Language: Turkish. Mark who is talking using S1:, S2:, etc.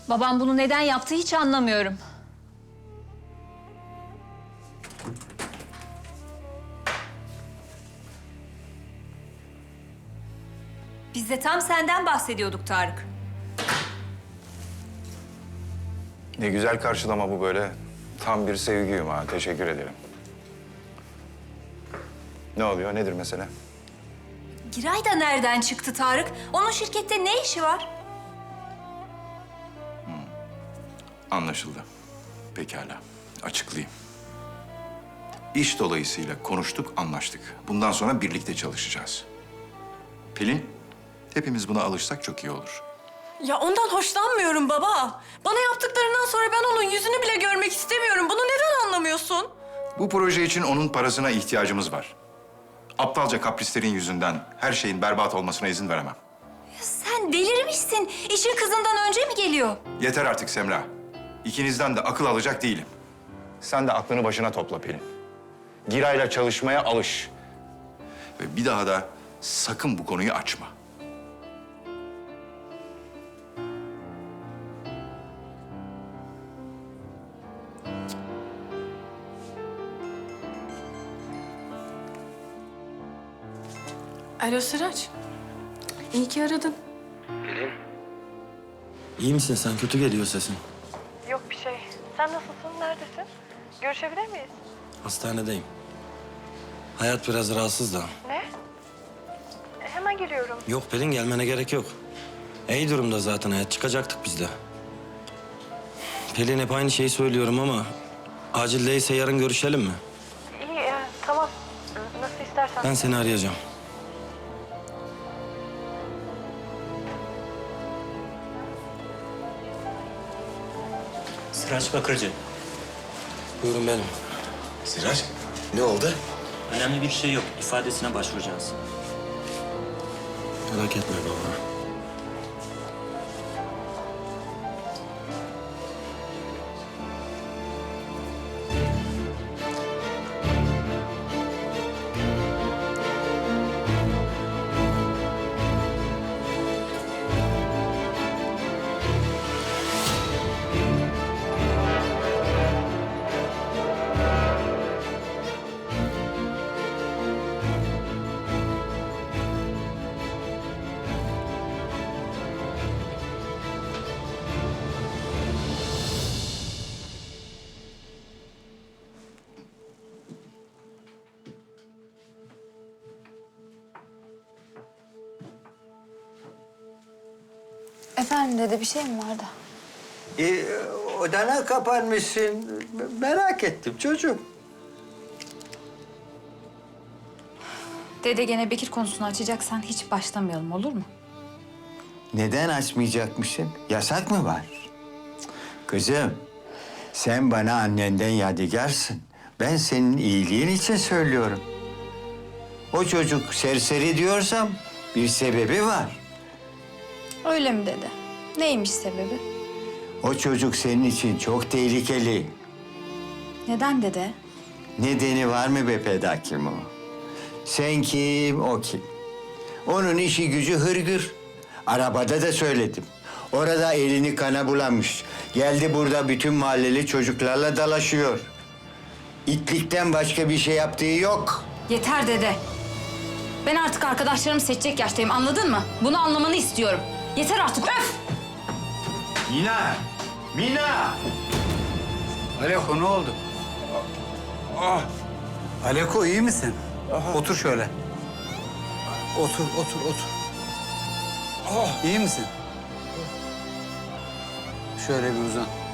S1: Babam bunu neden yaptı hiç anlamıyorum. Biz de tam senden bahsediyorduk Tarık.
S2: Ne güzel karşılama bu böyle. Tam bir sevgiyim ha. Teşekkür ederim. Ne oluyor? Nedir mesele?
S1: Giray da nereden çıktı Tarık? Onun şirkette ne işi var?
S2: Anlaşıldı. Pekala. Açıklayayım. İş dolayısıyla konuştuk, anlaştık. Bundan sonra birlikte çalışacağız. Pelin, hepimiz buna alışsak çok iyi olur.
S3: Ya ondan hoşlanmıyorum baba. Bana yaptıklarından sonra ben onun yüzünü bile görmek istemiyorum. Bunu neden anlamıyorsun?
S2: Bu proje için onun parasına ihtiyacımız var. Aptalca kaprislerin yüzünden her şeyin berbat olmasına izin veremem.
S1: Sen delirmişsin. İşin kızından önce mi geliyor?
S2: Yeter artık Semra. İkinizden de akıl alacak değilim. Sen de aklını başına topla Pelin. Giray'la çalışmaya alış. Ve bir daha da sakın bu konuyu açma.
S3: Alo Sıraç. İyi ki aradın.
S4: İyi misin sen? Kötü geliyor sesin.
S3: Yok bir şey. Sen nasılsın? Neredesin? Görüşebilir miyiz?
S4: Hastanedeyim. Hayat biraz rahatsız da.
S3: Ne? Hemen geliyorum.
S4: Yok Pelin, gelmene gerek yok. İyi durumda zaten hayat. Çıkacaktık biz de. Pelin, hep aynı şeyi söylüyorum ama... acil değilse yarın görüşelim mi?
S3: İyi, tamam. Nasıl istersen.
S4: Ben seni arayacağım.
S5: Sıraç Bakırcı.
S4: Buyurun benim.
S6: Sirac, ne oldu?
S5: Önemli bir şey yok. İfadesine başvuracağız.
S4: Merak etme baba.
S7: Efendim dede, bir şey mi vardı?
S8: Odana kapanmışsın. Merak ettim çocuğum.
S7: Dede, gene Bekir konusunu açacaksan hiç başlamayalım, olur mu?
S8: Neden açmayacakmışsın? Yasak mı var? Kızım, sen bana annenden yadigarsın. Ben senin iyiliğin için söylüyorum. O çocuk serseri diyorsam bir sebebi var.
S7: Öyle mi dede? Neymiş sebebi?
S8: O çocuk senin için çok tehlikeli.
S7: Neden dede?
S8: Nedeni var mı be pedakim o? Sen kim, o kim? Onun işi gücü hırgür. Arabada da söyledim. Orada elini kana bulamış. Geldi burada bütün mahalleli çocuklarla dalaşıyor. İtlikten başka bir şey yaptığı yok.
S7: Yeter dede. Ben artık arkadaşlarımı seçecek yaştayım, anladın mı? Bunu anlamanı istiyorum. Yeter artık, öf!
S8: Mina! Mina!
S9: Aleko, ne oldu? Aleko, iyi misin? Otur şöyle. Otur, otur, otur. İyi misin? Şöyle bir uzan.